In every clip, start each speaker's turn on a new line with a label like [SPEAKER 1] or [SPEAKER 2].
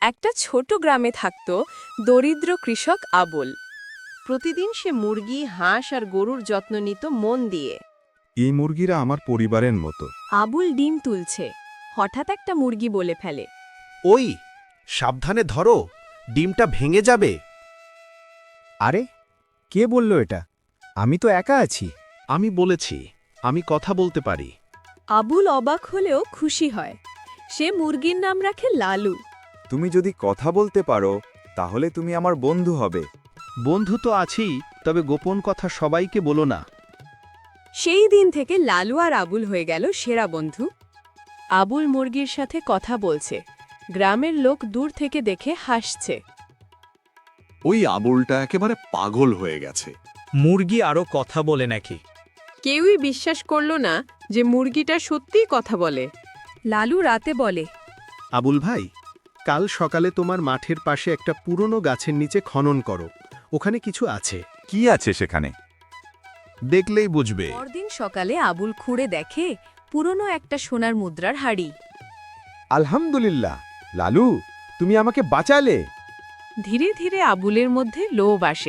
[SPEAKER 1] একটা ছোট গ্রামে থাকত দরিদ্র কৃষক আবুল।
[SPEAKER 2] প্রতিদিন সে মুরগি, হাঁস আর গরুর যত্ন নিত মন দিয়ে।
[SPEAKER 3] এই মুরগিরা আমার পরিবারের মতো।
[SPEAKER 1] আবুল ডিম তুলছে, হঠাৎ একটা মুরগি বলে ফেলে,
[SPEAKER 4] ওই সাবধানে ধরো, ডিমটা ভেঙে যাবে।
[SPEAKER 5] আরে কে বলল এটা? আমি তো একা আছি।
[SPEAKER 4] আমি বলেছি আমি কথা বলতে পারি।
[SPEAKER 1] আবুল অবাক হলেও খুশি হয়। সে মুরগির নাম রাখে লালু।
[SPEAKER 3] তুমি যদি কথা বলতে পারো তাহলে তুমি আমার বন্ধু হবে।
[SPEAKER 4] বন্ধু তো আছি, তবে গোপন কথা সবাইকে বলো না।
[SPEAKER 1] সেই দিন থেকে লালু আর আবুল হয়ে গেল সেরা বন্ধু। আবুল মুরগির সাথে কথা বলছে, গ্রামের লোক দূর থেকে দেখে হাসছে।
[SPEAKER 6] ওই আবুলটা একেবারে পাগল হয়ে গেছে।
[SPEAKER 5] মুরগি আরও কথা বলে নাকি?
[SPEAKER 2] কেউই বিশ্বাস করল না যে মুরগিটা সত্যিই কথা বলে।
[SPEAKER 1] লালু রাতে বলে,
[SPEAKER 4] আবুল ভাই, কাল সকালে তোমার মাঠের পাশে একটা পুরনো গাছের নিচে খনন করো, ওখানে কিছু আছে।
[SPEAKER 3] কি আছে সেখানে?
[SPEAKER 4] দেখলেই বুঝবে।
[SPEAKER 1] পরদিন সকালে আবুল খুঁড়ে দেখে পুরনো একটা সোনার মুদ্রার হাড়ি।
[SPEAKER 3] আলহামদুলিল্লাহ, লালু, তুমি আমাকে বাঁচালে।
[SPEAKER 1] ধীরে ধীরে আবুলের মধ্যে লোভ আসে।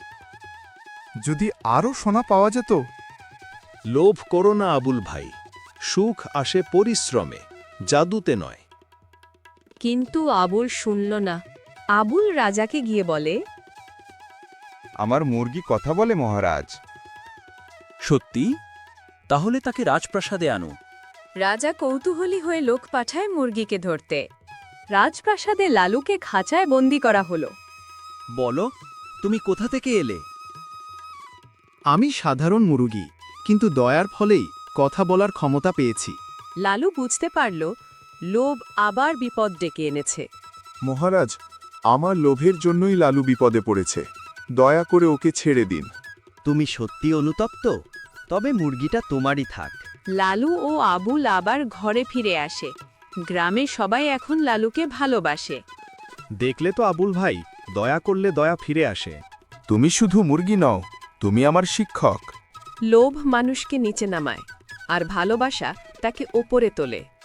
[SPEAKER 3] যদি আরও সোনা পাওয়া যেত।
[SPEAKER 4] লোভ করো না আবুল ভাই, সুখ আসে পরিশ্রমে, জাদুতে নয়।
[SPEAKER 1] কিন্তু আবুল শুনল না। আবুল রাজাকে গিয়ে বলে,
[SPEAKER 3] আমার মুরগি কথা বলে মহারাজ।
[SPEAKER 7] সত্যি? তাহলে তাকে রাজপ্রাসাদে আনো।
[SPEAKER 1] রাজা কৌতূহলী হয়ে লোক পাঠায় মুরগিকে ধরতে। রাজপ্রাসাদে লালুকে খাঁচায় বন্দি করা হলো।
[SPEAKER 7] বলো, তুমি কোথা থেকে এলে?
[SPEAKER 4] আমি সাধারণ মুরগি, কিন্তু দয়ার ফলেই কথা বলার ক্ষমতা পেয়েছি।
[SPEAKER 1] লালু বুঝতে পারল লোভ আবার বিপদ ডেকে এনেছে।
[SPEAKER 3] মহারাজ, আমার লোভের জন্যই লালু বিপদে পড়েছে, দয়া করে ওকে ছেড়ে দিন।
[SPEAKER 7] তুমি সত্যি অনুতপ্ত? তবে মুরগিটা তোমারই থাক।
[SPEAKER 1] লালু ও আবুল আবার ঘরে ফিরে আসে। গ্রামে সবাই এখন লালুকে ভালোবাসে।
[SPEAKER 4] দেখলে তো আবুল ভাই, দয়া করলে দয়া ফিরে আসে।
[SPEAKER 3] তুমি শুধু মুরগি নও, তুমি আমার শিক্ষক।
[SPEAKER 1] লোভ মানুষকে নিচে নামায়, আর ভালোবাসা তাকে ওপরে তোলে।